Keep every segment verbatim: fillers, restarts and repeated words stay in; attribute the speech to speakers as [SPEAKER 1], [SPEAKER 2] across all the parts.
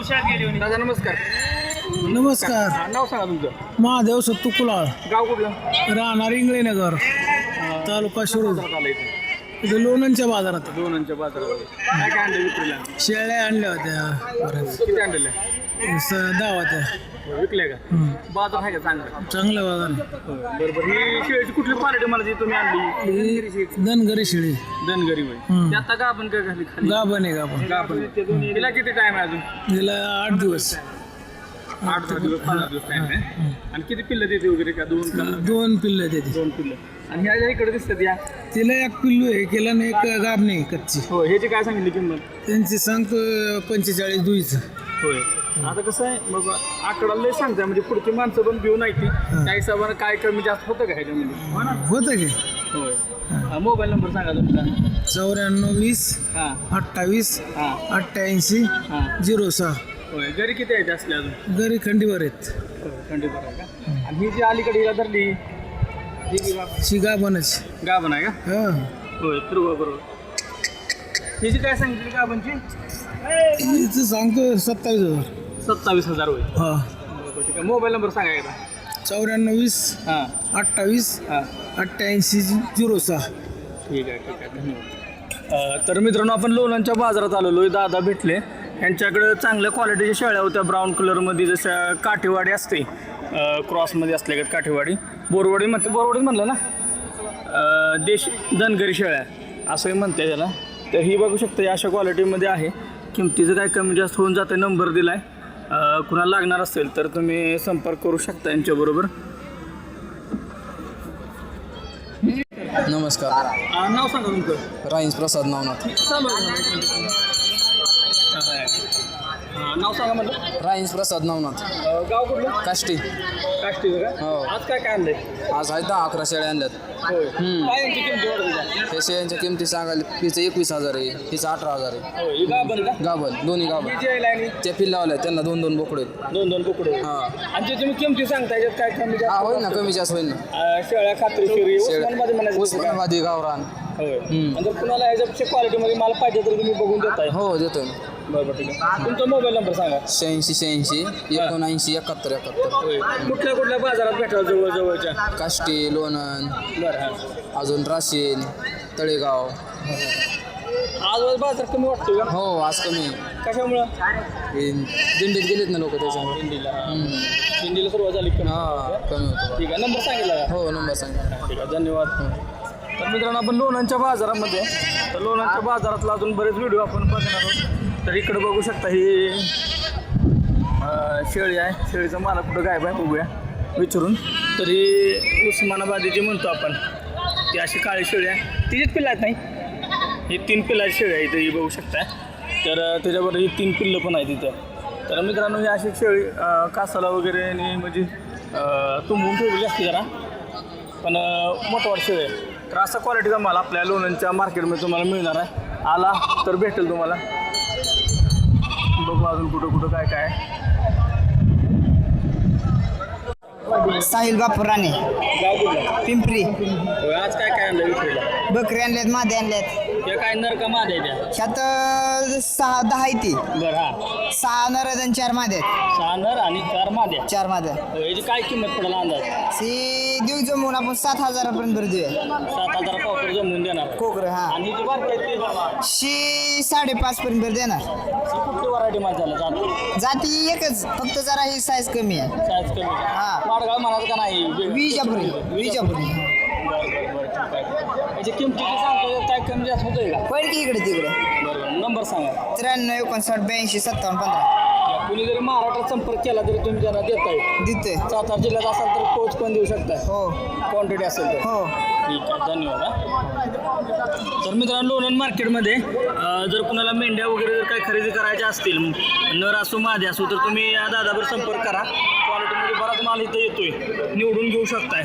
[SPEAKER 1] दादा नमस्कार.
[SPEAKER 2] नमस्कार.
[SPEAKER 1] हा, नाव सांगा तुमचं.
[SPEAKER 2] महादेव सत्तू कुलाळ,
[SPEAKER 1] गाव कुठलं?
[SPEAKER 2] राहणार इंगळेनगर, तालुका शिरूर.
[SPEAKER 1] बाजारात आलं इथे.
[SPEAKER 2] इथे लोणंदच्या बाजारात
[SPEAKER 1] दोनांच्या बाजारात. काय काय आणलं विक्रीला?
[SPEAKER 2] शेळ्या आणल्या होत्या बऱ्याच.
[SPEAKER 1] किती आणलेलं?
[SPEAKER 2] स- दहा होत्या.
[SPEAKER 1] विकले का?
[SPEAKER 2] हम्म.
[SPEAKER 1] बाजार आहे का चांगला?
[SPEAKER 2] चांगल्या बाजार.
[SPEAKER 1] बरोबर. ही शेळीची कुठली क्वालिटी मला जी तुम्ही आणली?
[SPEAKER 2] धनगरी शेळी
[SPEAKER 1] धनगरी होय.
[SPEAKER 2] हम्म.
[SPEAKER 1] ते आता का आपण काय घाली खाली?
[SPEAKER 2] गाभण आहे गाभण.
[SPEAKER 1] गाभण. तिला किती टाइम आहे अजून?
[SPEAKER 2] तिला आठ दिवस.
[SPEAKER 1] आठ दहा दिवस पंधरा दिवस टाइम आहे. आणि किती पिल्लं देते वगैरे का? दोन का?
[SPEAKER 2] दोन पिल्लं देते.
[SPEAKER 1] दोन पिल्लं. आणि ह्या इकडे दिसतात या.
[SPEAKER 2] तिला एक पिल्लू आहे, केला ना एक गाभणी कच्ची.
[SPEAKER 1] हो ह्याची काय सांगितली किंमत?
[SPEAKER 2] त्यांची सांगतो पंचेचाळीस दुईचं.
[SPEAKER 1] होय. आता कसं आहे मग आकडा लय सांगताय म्हणजे पुढची माणसं पण भिऊ नाही ती त्या हिशोबानं काय कमी जास्त होतं का ह्याच्यामध्ये?
[SPEAKER 2] होतं की.
[SPEAKER 1] होय. हा, मोबाईल नंबर सांगा तुमचा.
[SPEAKER 2] चौऱ्याण्णव वीस
[SPEAKER 1] हां
[SPEAKER 2] अठ्ठावीस
[SPEAKER 1] हां
[SPEAKER 2] अठ्ठ्याऐंशी
[SPEAKER 1] हां.
[SPEAKER 2] झिरो सहा.
[SPEAKER 1] होय. घरी किती आहे असले अजून?
[SPEAKER 2] घरी खंडीवर आहेत.
[SPEAKER 1] थंडी बरं आहे का? आणि ही जी अलीकडे हिला धरली ही जी गा-
[SPEAKER 2] शिगा बनच.
[SPEAKER 1] गाभण आहे का?
[SPEAKER 2] हा.
[SPEAKER 1] होय. बरोबर बरोबर. हिची काय सांगितली गाभणची?
[SPEAKER 2] इथं सांगतो सत्तावीस हजार.
[SPEAKER 1] सत्तावीस हजार होय.
[SPEAKER 2] हा.
[SPEAKER 1] बरोबर ठीक आहे. मोबाईल नंबर सांगा एकदा.
[SPEAKER 2] चौऱ्याण्णव वीस
[SPEAKER 1] हां
[SPEAKER 2] अठ्ठावीस
[SPEAKER 1] हां.
[SPEAKER 2] अठ्ठ्याऐंशी झिरो सहा.
[SPEAKER 1] ठीक आहे ठीक आहे धन्यवाद. अ, तर मित्रांनो आपण लोणंदच्या बाजारात आलेलो आहे. दादा भेटले. यांच्याकडे चांगल्या क्वालिटीच्या शेळ्या होत्या ब्राऊन कलरमध्ये, जशा काठीवाडी असते अ, क्रॉसमध्ये असल्या का काठीवाडी. बोरवाडी म्हणते, बोरवाडीच म्हणलं ना. अ, देश धनगरी शेळ्या असंही म्हणते त्याला. तर ही बघू शकता अशा क्वालिटीमध्ये आहे. किमतीचं काय कमी जास्त होऊन जातं. नंबर दिला आहे. कुणाला लागणार असेल तर तुम्ही संपर्क करू शकता यांच्याबरोबर.
[SPEAKER 3] नमस्कार.
[SPEAKER 1] अ, नाव सांगा तुमचं.
[SPEAKER 3] राईन्स प्रसाद नवनाथ.
[SPEAKER 1] चालू आहे. हां, नाव सांगा म्हटलं.
[SPEAKER 3] राईन्स प्रसाद नवनाथ.
[SPEAKER 1] अ, गाव कुठलं?
[SPEAKER 3] काष्टी.
[SPEAKER 1] काष्टी का?
[SPEAKER 3] हो.
[SPEAKER 1] आज काय काय आणलंय?
[SPEAKER 3] आज आहे दहा अकरा शेळ्या आणल्यात.
[SPEAKER 1] होय.
[SPEAKER 3] हम्म.
[SPEAKER 1] काय यांची किंमत वाढली?
[SPEAKER 3] त्या शेळ्यांच्या किमती सांगायला हिचं एकवीस हजार आहे, हिचं अठरा हजार आहे.
[SPEAKER 1] होय. ही गाभण का?
[SPEAKER 3] गाभण दोन्ही गाभण.
[SPEAKER 1] ही जी आहे लाईनी
[SPEAKER 3] त्या पिल्लावल्या त्यांना दोन दोन बोकडे आहेत.
[SPEAKER 1] दोन दोन कुकडे.
[SPEAKER 3] हां
[SPEAKER 1] आणि जे तुम्ही किमती सांगता याच्यात काय कमी
[SPEAKER 3] हा
[SPEAKER 1] जास्त
[SPEAKER 3] होईल ना, कमी जास्त होईल ना.
[SPEAKER 1] अ, शेळ्या खात्रीशीर उस्मानाबादी म्हणायचं तसं काय?
[SPEAKER 3] उस्मानाबादी गावरान.
[SPEAKER 1] होय.
[SPEAKER 3] हम्म.
[SPEAKER 1] आणि जर कुणाला ह्याच्यापेक्षा क्वालिटीमध्ये माल पाहिजे तर तुम्ही बघून देताय.
[SPEAKER 3] हो देतोय ना.
[SPEAKER 1] बरोबर ठीक आहे. तुमचा मोबाईल नंबर सांगा.
[SPEAKER 3] शहाऐंशी शहाऐंशी एकोणऐंशी एकाहत्तर एकाहत्तर.
[SPEAKER 1] होय. कुठल्या कुठल्या बाजारात भेटाल जवळ जवळच्या?
[SPEAKER 3] काष्टी, लोणंद,
[SPEAKER 1] बरं हां.
[SPEAKER 3] अजून राशीन, तळेगाव.
[SPEAKER 1] आज बाजार कमी वाटतो का?
[SPEAKER 3] हो आज कमी.
[SPEAKER 1] कशामुळं?
[SPEAKER 3] हे दिंडीत गेलेत ना लोक त्याच्यामुळे.
[SPEAKER 1] दिंडीला.
[SPEAKER 3] हम्म.
[SPEAKER 1] दिंडीला सुरुवात झाली कमी.
[SPEAKER 3] हा कमी होतो.
[SPEAKER 1] ठीक आहे. नंबर सांगितला का?
[SPEAKER 3] हो नंबर सांगा.
[SPEAKER 1] ठीक आहे धन्यवाद. तर मित्रांनो आपण लोणंदच्या बाजारामध्ये, तर लोणंदच्या बाजारातला अजून बरेच व्हिडिओ आपण बघणार आहोत. तर इकडे बघू शकता ही अं, शेळी आहे. शेळीचं मला कुठं गायब आहे बघूया विचारून. तर ही उस्मानाबादी जी म्हणतो आपण, ती अशी काळी शेळी आहे. तिचीच पिल्लं आहेत नाही, ही तीन पिल्लाची शेळी आहे इथं ही बघू शकता. तर अं, त्याच्याबरोबर ही तीन पिल्लं पण आहेत तिथं. तर मित्रांनो ही अशी शेळी अं, कासाला वगैरे आणि म्हणजे अं, तुंबून ठेवलेली असते जरा, पण मोठवाड शेळी आहे. तर असा क्वालिटीचा माल आपल्या लोणंदच्या मार्केटमध्ये तुम्हाला मिळणार आहे. आला तर भेटेल तुम्हाला. बघू अजून कुठं कुठं काय काय आहे.
[SPEAKER 4] साहिल बापूर राणे,
[SPEAKER 1] गाव कुठलं?
[SPEAKER 4] पिंपरी.
[SPEAKER 1] होय. आज काय काय आणलं विक्रीला?
[SPEAKER 4] बकरी आणल्यात, मादे आणल्यात.
[SPEAKER 1] ते काय नर का मादे त्या?
[SPEAKER 4] ह्यात अं, सहा दहा आहे ती.
[SPEAKER 1] बरं हां.
[SPEAKER 4] सहा नर आणि चार मादे आहेत.
[SPEAKER 1] सहा नर आणि चार माद्या.
[SPEAKER 4] चार मादे.
[SPEAKER 1] होय. याची काय किंमत पडेल अंदाज?
[SPEAKER 4] सी देऊ जमून आपण सात हजारापर्यंत भर देऊया.
[SPEAKER 1] सात हजार पावकर जमवून देणार.
[SPEAKER 4] कोकर हा.
[SPEAKER 1] आणि जी बारकी आहे ती बघा.
[SPEAKER 4] शी साडेपाच पर्यंत भर देणार.
[SPEAKER 1] ही कुठली व्हरायटी माल झालं जात?
[SPEAKER 4] जाती एकच, फक्त जरा ही साईज कमी आहे.
[SPEAKER 1] साईज कमी आहे.
[SPEAKER 4] हा.
[SPEAKER 1] वाडगाव म्हणाल का नाही?
[SPEAKER 4] विजापुरी विजापुरी.
[SPEAKER 1] बरं बरं बरं ठीक आहे. याची किमतीची सांगतो काय कमी जास्त होतंय का?
[SPEAKER 4] पहिले की इकडे तिकडे.
[SPEAKER 1] बरोबर. नंबर सांगा.
[SPEAKER 4] त्र्याण्णव एकोणसाठ ब्याऐंशी सत्तावन्न पंधरा.
[SPEAKER 1] कुणी जरी महाराष्ट्रात संपर्क केला तरी तुम्ही त्यांना देताय.
[SPEAKER 4] देते.
[SPEAKER 1] सातारा जिल्ह्यात असाल तर पोच पण देऊ शकता.
[SPEAKER 4] हो
[SPEAKER 1] क्वांटिटी असेल तर.
[SPEAKER 4] हो.
[SPEAKER 1] ठीक आहे धन्यवाद. हा. तर मित्रांनो लोणंद मार्केटमध्ये अं, जर कुणाला मेंढ्या वगैरे जर काही खरेदी करायच्या असतील, नर असो मादी असो, तर तुम्ही या दादावर संपर्क करा. क्वालिटीमध्ये बराच माल इथं येतोय, निवडून घेऊ शकताय.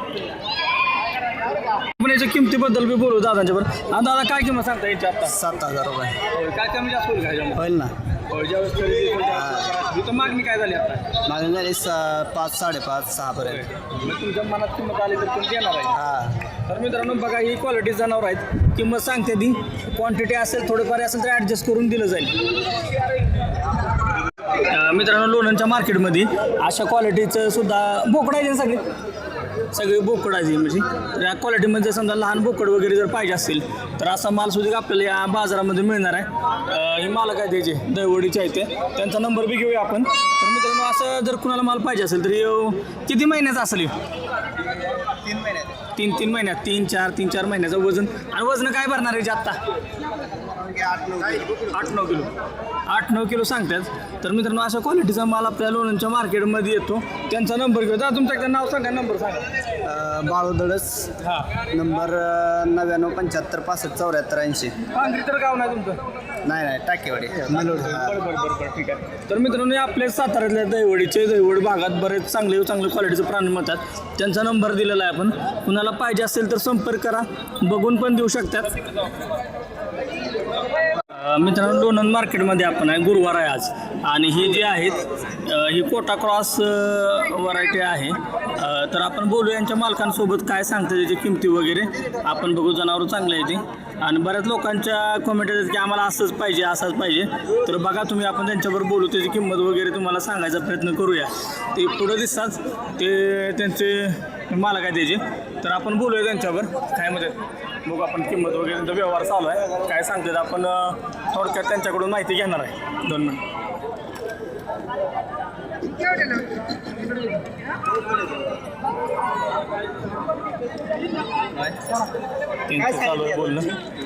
[SPEAKER 1] आपण याच्या किमतीबद्दल बी बोलू दादांच्या बरोबर. हा दादा काय किंमत सांगता याची आता?
[SPEAKER 3] सात हजार रुपये
[SPEAKER 1] होय. काय कमी जास्त होईल काय?
[SPEAKER 3] होईल ना.
[SPEAKER 1] ज्यावेळेस खरेदी होईल त्यावेळेस इथं मागणी काय झाली आता?
[SPEAKER 3] मागणी झाली पाच साडेपाच सहा पर्यंत.
[SPEAKER 1] मग तुमच्या मनात किंमत आली तर तुम्ही देणार आहे.
[SPEAKER 3] हा
[SPEAKER 1] तर मित्रांनो बघा ही क्वालिटी जनावर आहेत. किंमत सांगते ती, क्वांटिटी असेल थोडंफार असेल तर ॲडजस्ट करून दिलं जाईल. मित्रांनो लोणंदच्या मार्केटमध्ये अशा क्वालिटीचं सुद्धा बोकड आहे सगळे सगळे बोकड आहे म्हणजे तर या क्वालिटीमध्ये समजा लहान बोकड वगैरे जर पाहिजे असतील तर असा माल सुद्धा आपल्याला या बाजारामध्ये मिळणार आहे. अं, हे मालक आहे त्याचे दहिवडीचे आहे ते त्यांचा नंबर बी घेऊया आपण. तर मित्रांनो असं जर कुणाला माल पाहिजे असेल तरी अं, किती महिन्याचा असेल हे?
[SPEAKER 4] तीन महिन्यात
[SPEAKER 1] तीन तीन महिन्यात तीन चार तीन चार महिन्याचं वजन आणि वजन काय भरणार आहे जे आत्ता
[SPEAKER 4] आठ नऊ
[SPEAKER 1] आठ नऊ किलो आठ नऊ किलो सांगतात. तर मित्रांनो अशा क्वालिटीचा माल आपल्या लोणंदच्या मार्केटमध्ये येतो. त्यांचा नंबर घेऊ दादा तुमच्याकडे नाव सांगा नंबर सांगा.
[SPEAKER 3] बाळूदळस
[SPEAKER 4] हां
[SPEAKER 3] नंबर नव्याण्णव पंच्याहत्तर पासष्ट चौऱ्याहत्तर ऐंशी.
[SPEAKER 1] पांढरी तर गाव नाही तुमचं
[SPEAKER 3] नाही नाही टाकेवाडी मलोड.
[SPEAKER 1] बरं बरं बरं बरं ठीक आहे. तर मित्रांनो आपल्या साताऱ्यातल्या दहिवडीचे दहिवड भागात बरेच चांगले चांगले क्वालिटीचे प्राणी मिळतात. त्यांचा नंबर दिलेला आहे आपण. कुणाला पाहिजे असेल तर संपर्क करा बघून पण देऊ शकतात. अ, मित्रांनो लोणंद मार्केटमध्ये आपण आहे गुरुवार आहे आज आणि ही जी आहेत अ, ही कोटा क्रॉस व्हरायटी आहे. अ, तर आपण बोलू यांच्या मालकांसोबत काय सांगतात त्याची किमती वगैरे आपण बघू. जनावरं चांगले आहे ते आणि बऱ्याच लोकांच्या कमेंट येतात की आम्हाला असंच पाहिजे असंच पाहिजे. तर बघा तुम्ही आपण त्यांच्याबरोबर बोलू त्याची किंमत वगैरे तुम्हाला सांगायचा प्रयत्न करूया. ते पुढं दिसतात ते त्यांचे मालक आहे त्याचे. तर आपण बोलूया त्यांच्यावर काय म्हणतात बघू आपण किंमत वगैरे त्यांचा व्यवहार चालू आहे काय सांगतात आपण अ, थोडक्यात त्यांच्याकडून माहिती घेणार आहे. दोन मिनिट त्यांचं चालू आहे बोलणं.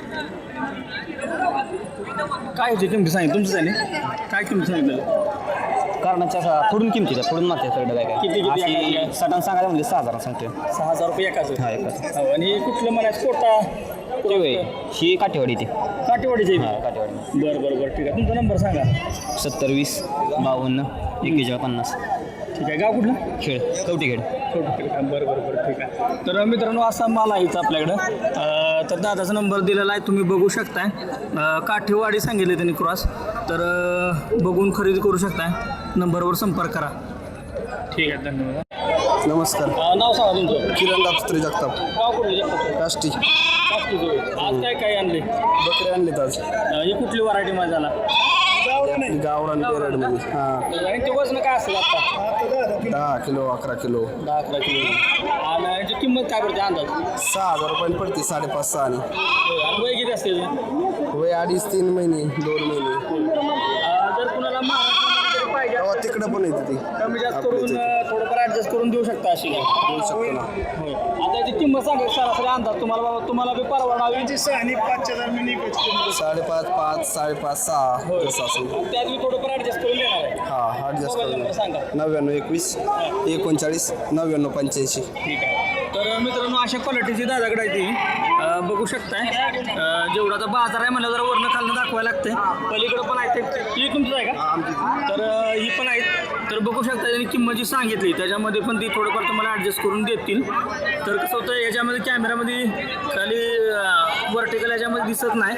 [SPEAKER 1] काय होती किमती सांगितली तुमचं त्याने काय किंमत सांगितलं
[SPEAKER 5] कारणाच्या पुढून किमती का पुढून मागते सगळं काय
[SPEAKER 1] किती- किती
[SPEAKER 5] काय
[SPEAKER 1] आहे?
[SPEAKER 5] अशी सटान सांगायला म्हणजे सहा हजार सांगते
[SPEAKER 1] सहा हजार रुपये एकाच
[SPEAKER 5] हा एकाच
[SPEAKER 1] हो, आणि कुठलं म्हणायचं कोटा
[SPEAKER 5] ते होय ही काठेवाडी ती
[SPEAKER 1] काटेवाडीचे
[SPEAKER 5] हा काठेवाडी
[SPEAKER 1] बरं बरं बरं ठीक आहे तुमचा नंबर सांगा.
[SPEAKER 5] सत्तर वीस बावन्न एक्केचाळीस पन्नास
[SPEAKER 1] ठीक आहे गाव कुठलं
[SPEAKER 5] खेळ कवटीखेड
[SPEAKER 1] छोटं ठीक आहे बरं बरं बरं ठीक आहे. तर मित्रांनो असा माल आहेच आपल्याकडं. अं, तर दादाचा नंबर दिलेला आहे तुम्ही बघू शकताय. अं, काठेवाडी सांगितले त्यांनी क्रॉस तर अं, बघून खरेदी करू शकताय. नंबरवर संपर्क करा. ठीक आहे धन्यवाद.
[SPEAKER 3] नमस्कार.
[SPEAKER 1] अं, नाव सांगा तुमचं
[SPEAKER 3] किरण दापत्री जगताप
[SPEAKER 1] गाव कुठलं
[SPEAKER 3] काष्टी.
[SPEAKER 1] आज काय काय आणले
[SPEAKER 3] बकरे आणलेत आज
[SPEAKER 1] अं, ही कुठली व्हरायटी माझ्या झाला
[SPEAKER 3] गावरान पेरडमध्ये. हां
[SPEAKER 1] आणि ते वजन काय असेल आता
[SPEAKER 3] दहा किलो अकरा किलो
[SPEAKER 1] दहा अकरा किलो आणि याची किंमत काय पडते अंदाज
[SPEAKER 3] सहा हजार रुपयाला पडते साडेपाच सहा आणि
[SPEAKER 1] आणि वय किती असते त्याचं?
[SPEAKER 3] वय अडीच तीन महिने दोन महिने.
[SPEAKER 1] अं, जर कुणाला महाराष्ट्रामध्ये पाहिजे
[SPEAKER 3] तेव्हा तिकडं पण येते ती
[SPEAKER 1] कमी जास्त
[SPEAKER 3] आपल्या
[SPEAKER 1] करून
[SPEAKER 3] इथे.
[SPEAKER 1] अं, थोडंफार ॲडजस्ट करून देऊ शकता अशी काय
[SPEAKER 3] देऊ शकतो ना.
[SPEAKER 1] होय आता याची किंमत सांगा सरासरी अंदाज तुम्हाला बाबा तुम्हाला बी परवडावी
[SPEAKER 2] आणि पाचच्या दरम्यान
[SPEAKER 3] साडेपाच पाच साडेपाच सहा जसं असेल.
[SPEAKER 1] त्यात मी थोडंफार ॲडजस्ट करून देणार आहे.
[SPEAKER 3] हा ॲडजस्ट
[SPEAKER 1] मोबाईल नंबर सांगा.
[SPEAKER 3] करून नव्याण्णव एकवीस एकोणचाळीस नव्याण्णव पंच्याऐंशी.
[SPEAKER 1] ठीक आहे. तर मित्रांनो अशा क्वालिटीची दादाकडे आहे ती अं, बघू शकताय. अं, जेवढा आता बाजार आहे म्हणलं जरा वरनं खालनं दाखवायला लागते. पलीकडं पण आहे ते ही तुमचं आहे का तर अं, ही पण आहेत. तर बघू शकता त्यांनी किंमत जी सांगितली त्याच्यामध्ये पण ती थोडंफार तुम्हाला ॲडजस्ट करून देतील. तर कसं होतं याच्यामध्ये कॅमेरामध्ये खाली वर्टिकल याच्यामध्ये दिसत नाही.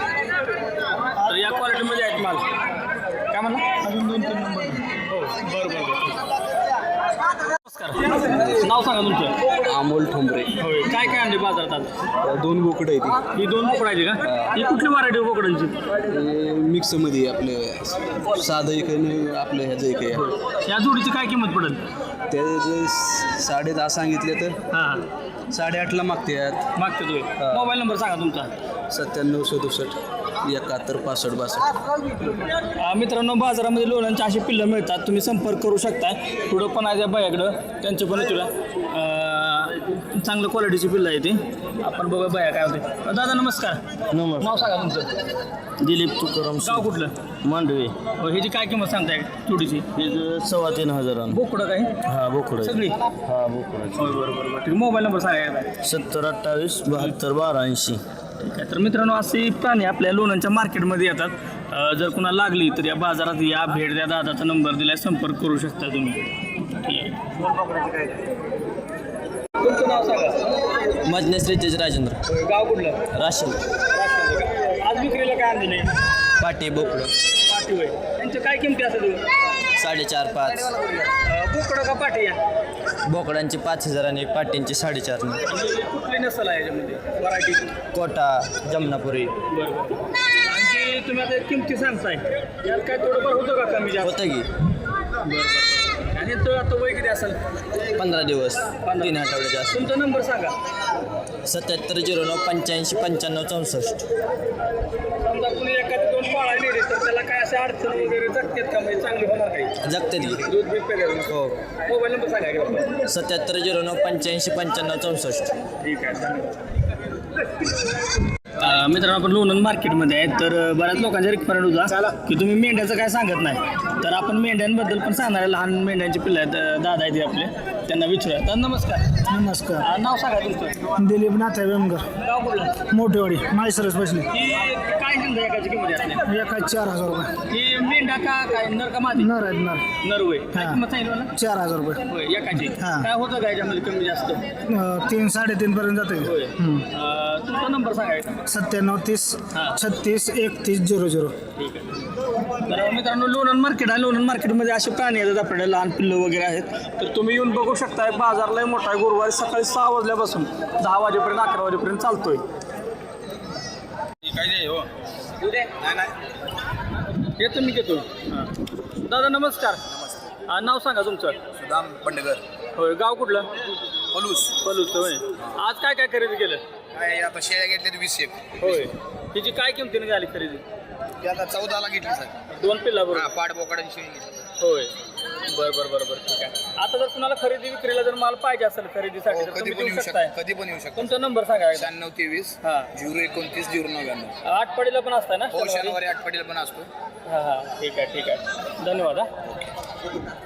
[SPEAKER 1] तर या क्वालिटीमध्ये आहेत माल काय म्हणा अजून दोन तीन नंबर हो बरं बरं बरं नमस्कार नाव सांगा तुमचं.
[SPEAKER 3] अमोल ठोंबरे.
[SPEAKER 1] होय काय काय आणले बाजारात आज
[SPEAKER 3] दोन बोकडं आहे
[SPEAKER 1] ही दोन बोकडायची का ही कुठली व्हरायटी बोकडांची
[SPEAKER 3] ती मिक्समध्ये आपले साधं एक आणि आपलं ह्याचं एक आहे.
[SPEAKER 1] या जोडीची काय किंमत पडेल
[SPEAKER 3] ते जे साडे दहा सांगितले तर
[SPEAKER 1] हां
[SPEAKER 3] साडेआठला मागतात.
[SPEAKER 1] मागते तुम्ही मोबाईल नंबर सांगा तुमचा.
[SPEAKER 3] सत्त्याण्णव सदुसष्ट एकाहत्तर पासष्ट बासष्ट.
[SPEAKER 1] अं, मित्रांनो बाजारामध्ये लोणंदचे असे पिल्लं मिळतात तुम्ही संपर्क करू शकताय. पुढं पण आहे त्या बायाकडं त्यांचे पण तुला चांगलं क्वालिटीची पिल्लं आहे ती आपण बघा बाया काय होते. अं, दादा नमस्कार
[SPEAKER 5] नमस्कार
[SPEAKER 1] नाव सांगा तुमचं.
[SPEAKER 5] दिलीप तुकाराम
[SPEAKER 1] गाव कुठलं
[SPEAKER 5] मांडवे
[SPEAKER 1] हो ह्याची काय किंमत सांगताय जोडीची
[SPEAKER 5] हे सव्वा तीन हजार
[SPEAKER 1] बोकडं काय
[SPEAKER 5] हा बोकड
[SPEAKER 1] सगळी
[SPEAKER 5] हा बोकड
[SPEAKER 1] होय बरोबर बरोबर ठीक मोबाईल नंबर सांगा.
[SPEAKER 5] सत्तर अठ्ठावीस बहात्तर बारा ऐंशी.
[SPEAKER 1] ठीक आहे तर मित्रांनो असे प्राणी आपल्या लोणंदच्या मार्केटमध्ये येतात. अ, जर कुणाला लागली तर या बाजारात या भेट द्या दादाचा नंबर दिलाय संपर्क करू शकता तुम्ही. ठीक आहे तुमचं नाव सांगा.
[SPEAKER 5] मजनेस रितेश राजेंद्र
[SPEAKER 1] गाव कुठलं
[SPEAKER 5] राशन
[SPEAKER 1] आज विक्रीला काय आणले
[SPEAKER 5] पाटे बोकड
[SPEAKER 1] पाठी होय त्यांच्या काय किमती असेल
[SPEAKER 5] साडेचार पाच
[SPEAKER 1] बोकडं का पाठी या
[SPEAKER 5] बोकडांचे पाच हजार आणि पाट्यांचे साडेचार
[SPEAKER 1] आणि कुठली नसल आहे याच्यामध्ये व्हरायटी
[SPEAKER 5] कोटा जमनापुरी
[SPEAKER 1] बरोबर आणखी तुम्ही आता किमती सांगताय यात काय थोडंफार होतं का कमी जास्त
[SPEAKER 5] होतं की
[SPEAKER 1] आणि तो आता वय किती असेल?
[SPEAKER 5] पंधरा दिवस तीन आठवड्याचे असं
[SPEAKER 1] तुमचा नंबर सांगा.
[SPEAKER 5] सत्याहत्तर झिरो नऊ पंच्याऐंशी पंच्याण्णव चौसष्ट.
[SPEAKER 1] समजा कुणी एखादी दोन पाळा नेले तर त्याला काय असे अडचण वगैरे जगतात का? म्हणजे चांगली होणार काही
[SPEAKER 5] जगते ती.
[SPEAKER 1] दूध बीत पेरेल.
[SPEAKER 5] हो.
[SPEAKER 1] मोबाईल नंबर सांगा की.
[SPEAKER 5] सत्याहत्तर झिरो नऊ पंच्याऐंशी पंच्याण्णव चौसष्ट.
[SPEAKER 1] ठीक आहे. अं, मित्रांनो आपण लोणंद मार्केटमध्ये आहे. तर अं, बऱ्याच लोकांचा रिक्वायरमेंट होता की तुम्ही मेंढ्याचं काय सांगत नाही. तर आपण मेंढ्यांबद्दल पण सांगणार आहे. लहान मेंढ्यांचे पिल्ले आहेत, अं, दादा आहेत आपले, त्यांना विचारूया. तर नमस्कार.
[SPEAKER 6] नमस्कार.
[SPEAKER 1] अं, नाव सांगा तुमचं.
[SPEAKER 6] दिलीप नाथा वेमगर,
[SPEAKER 1] गाव कुठलं?
[SPEAKER 6] मोठेवाडी, माळसरस बसले.
[SPEAKER 1] ही काय किंमत आहे एकाची किंमत असते?
[SPEAKER 6] एका चार हजार रुपये.
[SPEAKER 1] ही मेंढा का काय नर का मादी?
[SPEAKER 6] नर आहेत नर.
[SPEAKER 1] नर होय. काय
[SPEAKER 6] हा.
[SPEAKER 1] किंमत सांगितलं मला?
[SPEAKER 6] चार हजार रुपये.
[SPEAKER 1] होय एकाची.
[SPEAKER 6] हा.
[SPEAKER 1] काय होतं का याच्यामध्ये कमी जास्त?
[SPEAKER 6] अं, तीन साडेतीन पर्यंत जाते.
[SPEAKER 1] होय. अं, तुमचा नंबर सांगायचा.
[SPEAKER 6] सत्त्याण्णव तीस
[SPEAKER 1] हा.
[SPEAKER 6] छत्तीस एकतीस झिरो झिरो.
[SPEAKER 1] ठीक आहे. तर मित्रांनो लोणंद मार्केट आहे. लोणंद मार्केटमध्ये असे प्राणी आहेत आपल्याकडे, लहान पिल्लं वगैरे आहेत. तर तुम्ही येऊन बघू शकताय. बाजारला मोठा आहे. गुरुवारी सकाळी सहा वाजल्यापासून दहा वाजेपर्यंत अकरा वाजेपर्यंत चालतोय. काय हो येतो मी घेतो. दादा नमस्कार. हा, नाव सांगा तुमचं.
[SPEAKER 3] सुदाम बंडगर
[SPEAKER 1] होय. गाव कुठलं?
[SPEAKER 3] पलूस.
[SPEAKER 1] पलूस होय. आज काय काय खरेदी केलं?
[SPEAKER 3] काय आता शेळ्या घेतल्या वीस एक.
[SPEAKER 1] होय. तिची काय किमतीने झाली खरेदी?
[SPEAKER 3] ती आता चौदाला घेतली सर.
[SPEAKER 1] दोन पिल्ला बरोबर.
[SPEAKER 3] पाड बोकडाची शेळी घेतली.
[SPEAKER 1] होय. बरं बरं बरं बरं ठीक आहे. आता जर कुणाला खरेदी विक्रीला जर माल पाहिजे असेल खरेदीसाठी तर
[SPEAKER 3] कधी
[SPEAKER 1] तुम्ही
[SPEAKER 3] पण
[SPEAKER 1] देऊ
[SPEAKER 3] येऊ
[SPEAKER 1] शकताय.
[SPEAKER 3] शकतो कधी पण येऊ शकतो.
[SPEAKER 1] तुमचा नंबर सांगा एकदा.
[SPEAKER 3] शहाण्णव तेवीस
[SPEAKER 1] हां.
[SPEAKER 3] झिरो एकोणतीस झिरो नव्याण्णव.
[SPEAKER 1] आठवडीला पण असताय ना?
[SPEAKER 3] हो शनिवारी आठवडीला पण असतो.
[SPEAKER 1] हां हां ठीक आहे ठीक आहे. धन्यवाद. हा